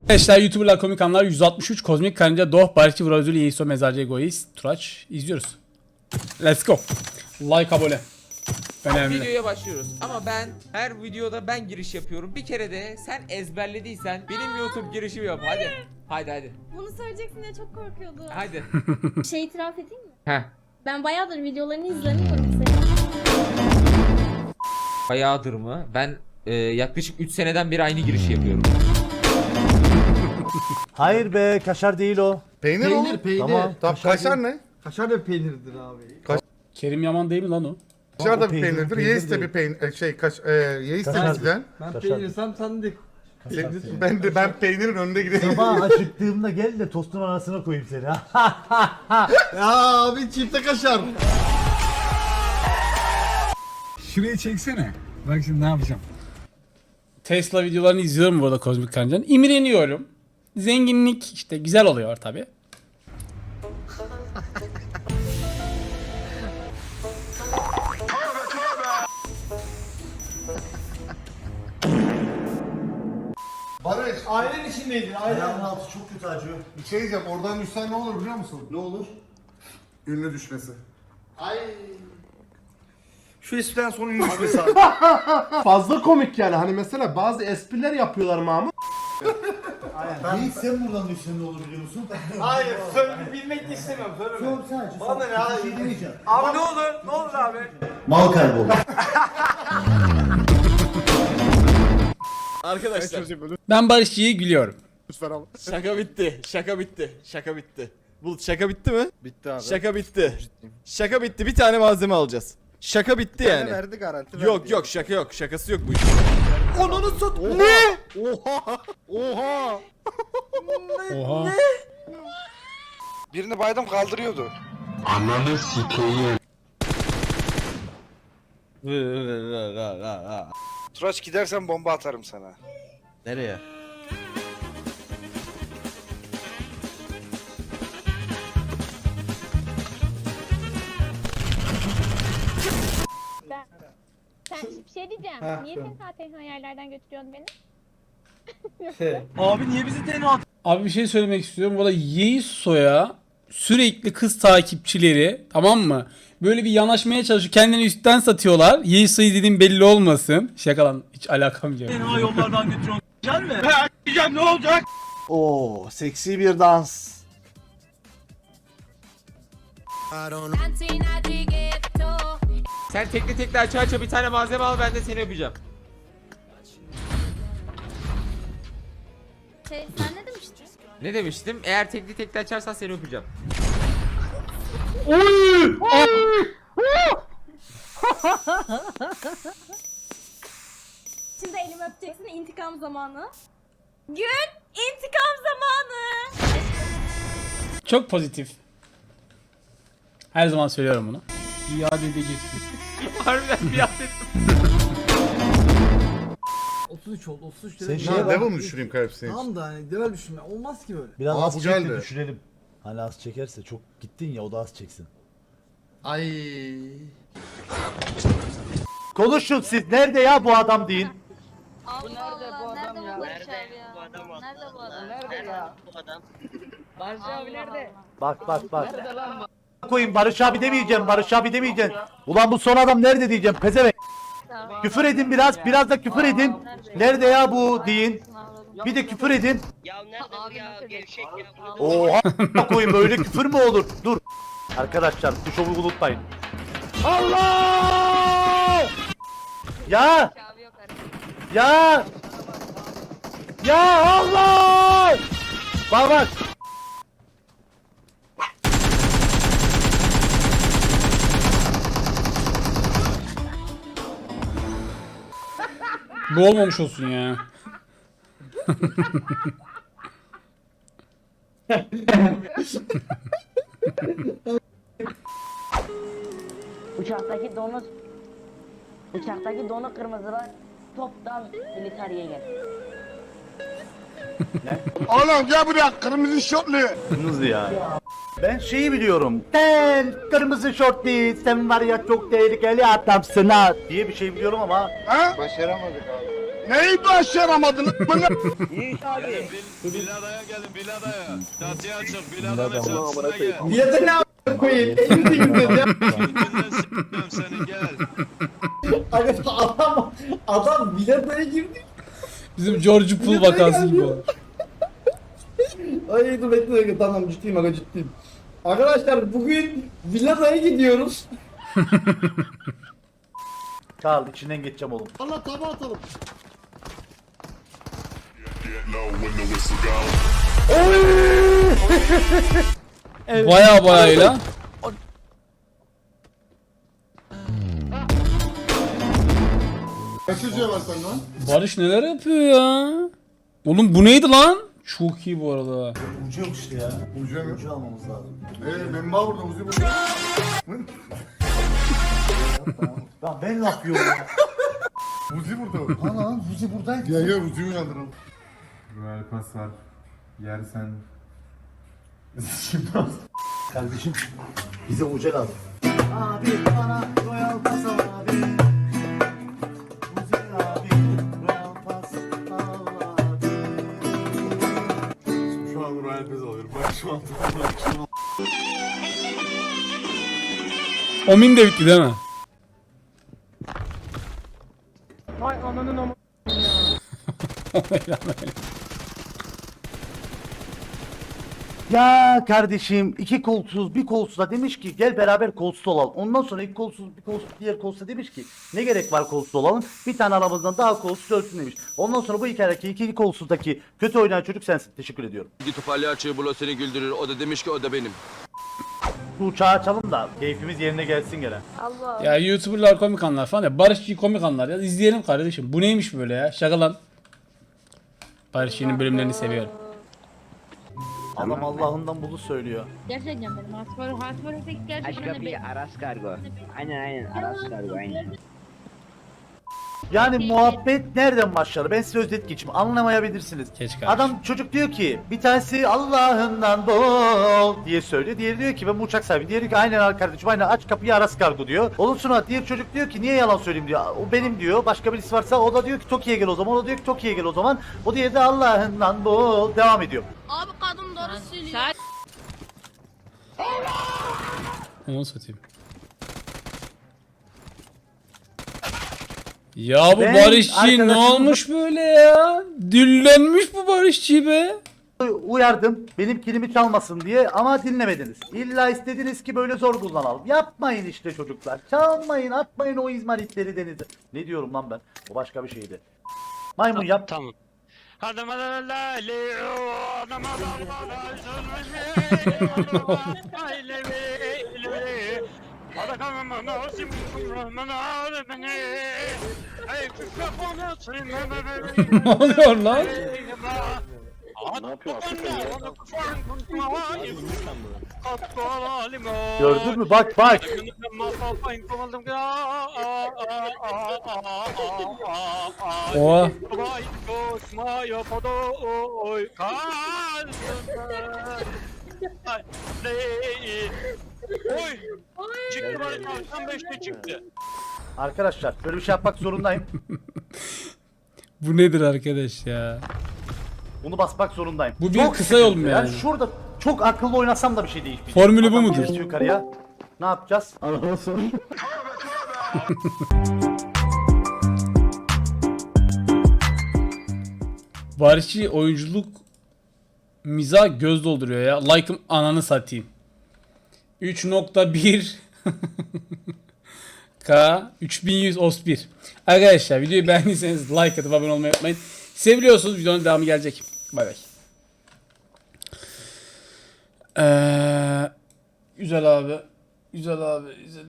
Arkadaşlar YouTuber'lar, komik anlar 163, Kozmik Karınca, Doh, Barışçı, Vrazuli, Yeiso, Mezarcı, Egoist, Turaç izliyoruz. Let's go. Like, abone. Önemli. Videoya başlıyoruz ama ben her videoda ben giriş yapıyorum. Bir kere de sen ezberlediysen benim YouTube girişimi yap. Hadi. Bunu söyleyeceksin diye çok korkuyordum. Hadi. Şey itiraf edeyim mi? Heh. Ben bayağıdır videolarını izlemiyorum seni. Bayağıdır mı? Ben yaklaşık 3 seneden beri aynı girişi yapıyorum. Hayır be, kaşar değil o. Peynir oğlum. Peynir. Tamam. Tamam kaşar ne? Kaşar da peynirdir abi. Kerim Yaman değil mi lan o? Kaşar da O bir peynir, peynirdir. peynir Yeğiz de değil. bir peynir. Yeğiz de Kaşar. bizden. Ben Kaşar. peynirsem sen de. Ben peynirin önünde gidiyorum. Sabah acıktığımda gel de tostun arasına koyayım seni. Ya abi çifte kaşar. Şuraya çeksene. Bak şimdi ne yapacağım. Tesla videolarını izliyorum burada Kozmik Karınca'nın. İmreniyorum. Zenginlik işte güzel oluyor tabi. Barış, Ailen içindeydin. Ayağımın altı çok kötü acıyor. bir şey diyeceğim. Oradan düşsen ne olur biliyor musun? Ne olur? Ünlü düşmesi. Şu espriden sonra ünlü düşmesi abi. Fazla komik yani. Hani mesela bazı espriler yapıyorlar Mahmut. Aynen. İlk sen buradan düşsen ne olur biliyor musun? Hayır, bilmek de istemiyorum. Sor sadece. Bana ne abi? Bir şey demeyeceğim. Abi ne olur? Ne olur abi? Mal kayboldu. Arkadaşlar Ben Barışçı'yı gülüyorum. şaka bitti. Bulut şaka bitti mi? Bitti abi. Şaka bitti. Şaka bitti. Bir tane malzeme alacağız. Şaka bitti yani. Verdi garanti. Yok şaka yok. Şakası yok bu işin. Onunu sat. Ne? Oha. Oha. Birini baydım kaldırıyordu. Turaç gidersen bomba atarım sana. Nereye? Sen bir şey diyeceğim. Niye sen zaten yerlerden götürüyorsun beni? Abi bir şey söylemek istiyorum. Bu da Yeiso'ya sürekli kız takipçileri, tamam mı? Böyle bir yanaşmaya çalışıyor. Kendini üstten satıyorlar. Yeiso'yu dediğim belli olmasın. Şaka lan. Hiç alakam yok. Oo, seksi bir dans. Sen tekli aça bir tane malzeme al, ben de seni öpeceğim. Sen ne demiştin? Ne demiştim? Eğer tekli açarsan seni öpeceğim. Şimdi elimi öpeceksin, intikam zamanı. Gün intikam zamanı. Çok pozitif. Her zaman söylüyorum bunu. İade edeceksin. Harbiden bir adet. 33 oldu. 33 Sen lira. şey Ya bak. level mi düşüreyim hepsini? Tamam da hani level düşünme. Olmaz ki böyle. Biraz Aa, az bu çek de geldi. düşürelim. Hani az çekerse çok gittin ya, o da az çeksin. Ay. Konuşun siz. Nerede ya bu adam deyin. Bu nerede bu adam ya? Nerede bu adam? Nerede bu adam? Nerede ya? Bu adam. Barış abi nerede? Bak. Koyayım, Barış abi demeyeceğim. Barış abi demeyeceğim. Ulan bu son adam nerede diyeceğim. Pezevenk. Küfür edin biraz. Biraz da küfür edin. Nerede ya bu deyin. Bir de küfür edin. Ya nerede bu ya? Gevşek ya. Oha koyayım, böyle küfür mü olur? Dur. Arkadaşlar bu şovu unutmayın. Allah! Ya! Ya! Ya Allah! Bak. Bu olmamış olsun ya. Uçaktaki donu kırmızılar toptan militariye gel. Oğlum gel buraya kırmızı şortlu. Kırmızı ya. Ben şeyi biliyorum. Sen kırmızı şort değil, sen var ya çok tehlikeli adamsın ha diye bir şey biliyorum ama Ha? Başaramadık abi. Neyi başaramadın? Biladaya gelin biladaya. Çatıya çık biladanın çatısına gel. Bilete ne a**ına koyayım? Elini de girdi ya. Günden s**tim seni gel. Adam biletaya girdi. Bizim George Pool vakası gibi oldu. Ay dur bekle tamam ciddiyim aga ciddiyim. Arkadaşlar bugün villadaya gidiyoruz. Karl içinden geçeceğim oğlum. Allah tabağa atalım. Baya bayayla. Kaç hücre var sende lan? Barış neler yapıyor ya? Oğlum bu neydi lan? Çok iyi bu arada. Ucu yok işte ya. Hücre mi? Ucu almamız lazım. Ben bağ burada, Uzi burada. Lan ben ne yapıyorum ya? Uzi burada. Ana lan Uzi buradaydı. Gel gel Uzi'yi uyandıralım. Royal pas var. Yersen. Kardeşim bize uca lazım. Abi bana royal pas al abi. Uzi abi royal pas al abi. Şu an Royal Pez alıyorum. Bak şu an. Omin de bitti değil mi? Ya kardeşim iki kolsuz bir kolsuza demiş ki gel beraber kolsuz olalım. Ondan sonra iki kolsuz bir kolsuz diğer kolsuza demiş ki ne gerek var kolsuz olalım. Bir tane aramızdan daha kolsuz ölsün demiş. Ondan sonra bu hikayedeki iki kolsuzdaki kötü oynayan çocuk sensin. Teşekkür ediyorum. Git palyaçoyu bul o seni güldürür. O da demiş ki o da benim. Bu uçağı açalım da keyfimiz yerine gelsin gene. Allah. Ya YouTuber'lar komik anlar falan ya. Barışçı komik anlar ya. İzleyelim kardeşim. Bu neymiş böyle ya? Şaka lan. Barışçı'nın bölümlerini seviyorum. Adam Allah'ından bunu söylüyor. Gerçekten benim Hasbaro pek gerçekten de Aras kargo. Aynen Aras kargo aynen. Yani muhabbet nereden başlar? Ben size özet geçeyim. Anlamayabilirsiniz. Geç kardeşim. Adam çocuk diyor ki bir tanesi Allah'ından bol diye söylüyor. Diğeri diyor ki ben bu uçak sahibi. Diğeri ki aynen kardeşim aynen aç kapıyı Aras kargo diyor. Ondan sonra diğer çocuk diyor ki niye yalan söyleyeyim diyor. O benim diyor. Başka birisi varsa o da diyor ki Tokyo'ya gel o zaman. O da diyor ki Tokyo'ya gel o zaman. O diğeri de Allah'ından bol devam ediyor. Abi kadın doğru söylüyor. Onu satayım. Ya bu Ben Barışçı ne arkadaşımı- olmuş böyle ya? Düllenmiş bu Barışçı be. Uyardım benim kilimi çalmasın diye ama dinlemediniz. İlla istediniz ki böyle zor kullanalım. Yapmayın işte çocuklar. Çalmayın atmayın o izmaritleri denize. Ne diyorum lan ben? O başka bir şeydi. Maymun yap. Tamam. Ne oluyor lan? Ne yapıyor Gördün mü? Bak bak. Oha. Çıktı bari tam 5'te çıktı. Arkadaşlar böyle bir şey yapmak zorundayım. Bu nedir arkadaş ya? Bunu basmak zorundayım. Bu bir kısa yol mu sıkıntı. yani? Şurada çok akıllı oynasam da bir şey değişmeyecek. Formülü bu Adam mudur? birisi yukarıya. Ne yapacağız? Barışçı oyunculuk mizah göz dolduruyor ya. Like'ım ananı satayım. 3.1 K 3100 OS1. Arkadaşlar videoyu beğendiyseniz like atıp abone olmayı unutmayın. Seviyorsunuz, videonun devamı gelecek. Bay bay. Güzel abi. Güzel abi. Güzel.